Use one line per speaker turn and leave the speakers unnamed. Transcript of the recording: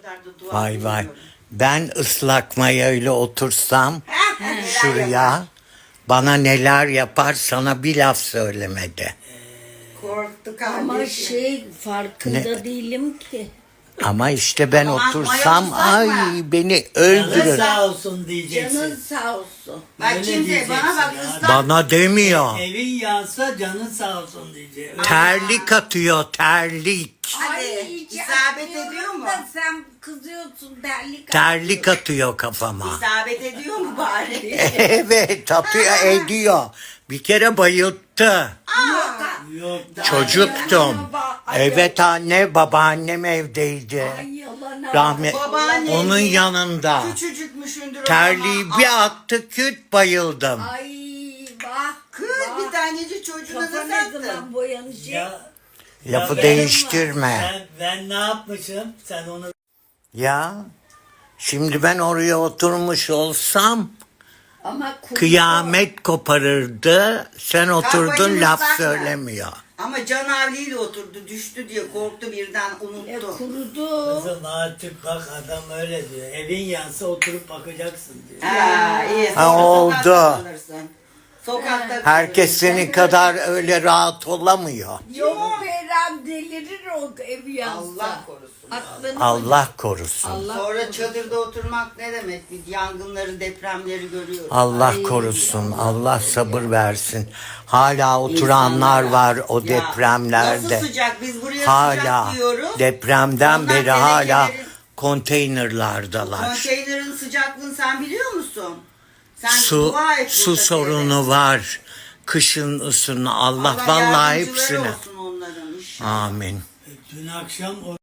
kadar da dua
Vay vay.
ediyorum.
Ben ıslak mayayla otursam
Neler
şuraya
yapar?
bana neler yapar sana bir laf söylemedi.
Korktu
Ama
kardeşim.
farkında
Ne?
değilim ki.
Ama işte ben
Aman,
otursam
maya
ay
ıslak mı?
beni
Canın
öldürür.
sağ olsun diyeceksin.
Canın sağ olsun.
Bak
Öyle
şimdi
diyeceksin
bana bak
ya.
ıslak.
Bana demiyor.
Evin yansa canın sağ olsun diyeceksin.
Terlik atıyor terlik.
Hadi,
hiç
isabet
yapmıyorum
ediyor mu?
da sen kızıyorsun terlik.
Terlik atıyor kafama.
İsabet ediyor mu bari?
Evet atıyor ediyor. Bir kere bayılttı.
Yok.
Çocuktum. Evet anne babaannem evdeydi.
Ay yalana.
Rahmet.
Babaanne
Onun yanında.
küçücükmüşündür o
Terliği
zaman.
bir attı küt bayıldım.
Ay bak.
Kız bir tanecik çocuğuna
Kafa
da
ne
sattın.
zaman boyanacak?
Ya,
Lafı
ben-
değiştirme.
Ben ne yapmışım? Sen onu
Ya şimdi ben oraya oturmuş olsam
Ama kuru.
kıyamet koparırdı. Sen oturdun
Kafayı
laf
ıslak mı?
söylemiyor.
Ama canavliyle oturdu düştü diye korktu birden unuttu.
Kurudu.
kızım artık bak adam öyle diyor. Evin yansa oturup bakacaksın diyor.
Ha, iyi.
Ha,
Sonra
oldu.
sokakta kalırsın. Sokakta
Herkes
kalırsın.
senin kadar öyle rahat olamıyor.
Yok Beren delirir o ev yansa.
Allah korusun.
Aklını
Allah korusun.
Allah
Sonra çadırda oturmak ne demek? Biz yangınları, depremleri görüyoruz.
Allah korusun. Allah sabır versin. Hala oturanlar var o
Ya,
depremlerde.
Nasıl sıcak? Biz buraya
Hala
sıcak diyoruz.
depremden
Onlar
beri hala
tenekelerin-
konteynerlardalar.
Konteynerin sıcaklığını sen biliyor musun? Sen
Su
dua et
su
burada
sorunu var. Kışın ısını Allah
Allah
vallahi
yardımcıları
hepsine.
olsun onların inşallah.
Amin.
Dün akşam o